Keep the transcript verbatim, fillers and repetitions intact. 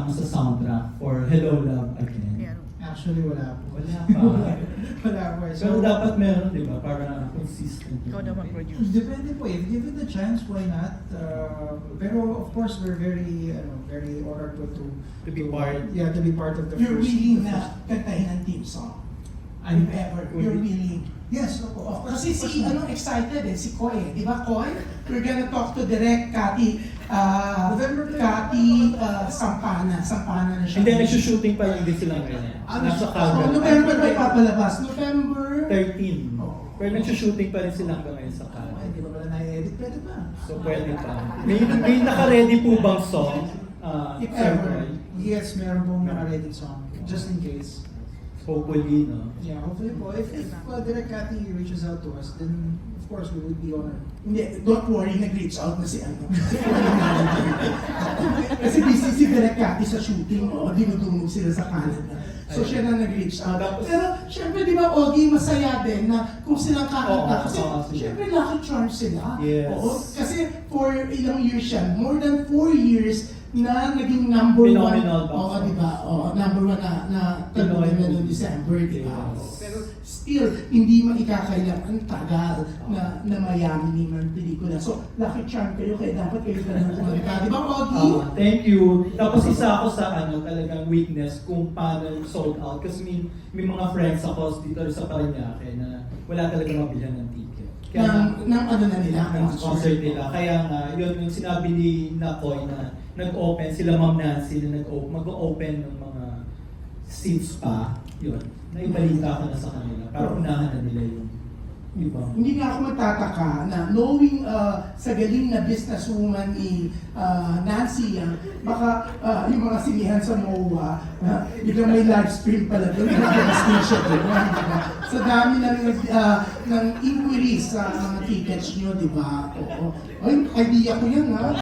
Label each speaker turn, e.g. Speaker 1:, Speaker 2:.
Speaker 1: kasama sa soundtrack for Hello Love Again?
Speaker 2: Yeah.
Speaker 3: Actually, wala po.
Speaker 1: Wala pa.
Speaker 3: Wala po.
Speaker 1: Pero dapat meron, di ba? Para consistent.
Speaker 2: Ikaw daw mag-produce.
Speaker 3: Depende po. If given the chance, why not? Uh, pero of course, we're very, ano, very honored po to
Speaker 1: To be part.
Speaker 3: Yeah, to be part of the
Speaker 4: You're
Speaker 3: first.
Speaker 4: willing
Speaker 3: the
Speaker 4: na
Speaker 3: first-
Speaker 4: kantahin ang team song?
Speaker 3: I'm
Speaker 4: If ever, you're willing.
Speaker 3: Yes, of course.
Speaker 4: Kasi si, ano, excited eh, si Koy eh. Di ba, Koy? We're gonna talk to direct Cathy, uh,
Speaker 3: November
Speaker 4: Cathy uh, Sampana. Sampana na siya.
Speaker 1: Hindi, nagsushooting pa lang din sila ngayon.
Speaker 4: Ano,
Speaker 1: Nasa
Speaker 4: so,
Speaker 1: Calgary.
Speaker 4: November ba ipapalabas? November?
Speaker 1: thirteen.
Speaker 4: Oh.
Speaker 1: Pero nagsushooting pa rin sila hanggang ngayon sa
Speaker 3: Ay,
Speaker 1: Calgary.
Speaker 3: di ba pala na-edit? Pwede ba?
Speaker 1: So pwede pa. May, may naka-ready po bang song? Uh,
Speaker 4: If
Speaker 1: Sir
Speaker 4: ever.
Speaker 1: Roy?
Speaker 3: Yes, meron pong naka-edit song. Just in case.
Speaker 1: Hopefully, no?
Speaker 3: Yeah, hopefully po. If, if uh, Direct Cathy reaches out to us, then of course we would be honored.
Speaker 4: Hindi, don't worry, nag-reach out na si ano. Kasi busy si Direk Cathy sa shooting, o dinudungog sila sa Canada. So siya na nag-reach out. Pero syempre di ba, Ogie, masaya din na kung silang kakanta.
Speaker 1: Oo,
Speaker 4: Kasi
Speaker 1: oo, sila.
Speaker 4: syempre lucky charm sila.
Speaker 1: Yes.
Speaker 4: Oo, kasi for ilang years yan, more than four years na naging number
Speaker 1: Phenomenal
Speaker 4: one.
Speaker 1: box
Speaker 4: Oo, di ba? Oo, number one na, na talunan na noong December, di ba?
Speaker 1: Yes.
Speaker 4: Oo. Pero still, hindi maikakailangan tagal na, na mayaman ni man pelikula. So, lucky charm kayo, kaya dapat kayo ganun kumanta. Di ba, Ogie?
Speaker 1: Ah, thank you. Tapos isa ako sa ano, talagang weakness kung paano sold out. Kasi may, may mga friends ako dito sa Parañaque na wala talaga mabilhan ng ticket.
Speaker 4: ng, ng ano na nila,
Speaker 1: ng concert nila. Kaya nga, yun yung sinabi ni Nakoy na nag-open, sila Ma'am Nancy na nag-open, mag-open ng mga seats pa. Yun. Naibalita ko na sa kanila. Para unahan na nila yung ibang.
Speaker 4: Hindi nga ako magtataka na knowing uh, sa galing na businesswoman ni uh, Nancy, uh, baka uh, yung mga sinihan sa M O A, uh, biglang may live stream pala doon, nag-screenshot doon, di ba? Sa dami ng, uh, ng inquiries sa mga tickets nyo, di ba? Oo. Ay, idea ko yan, ha?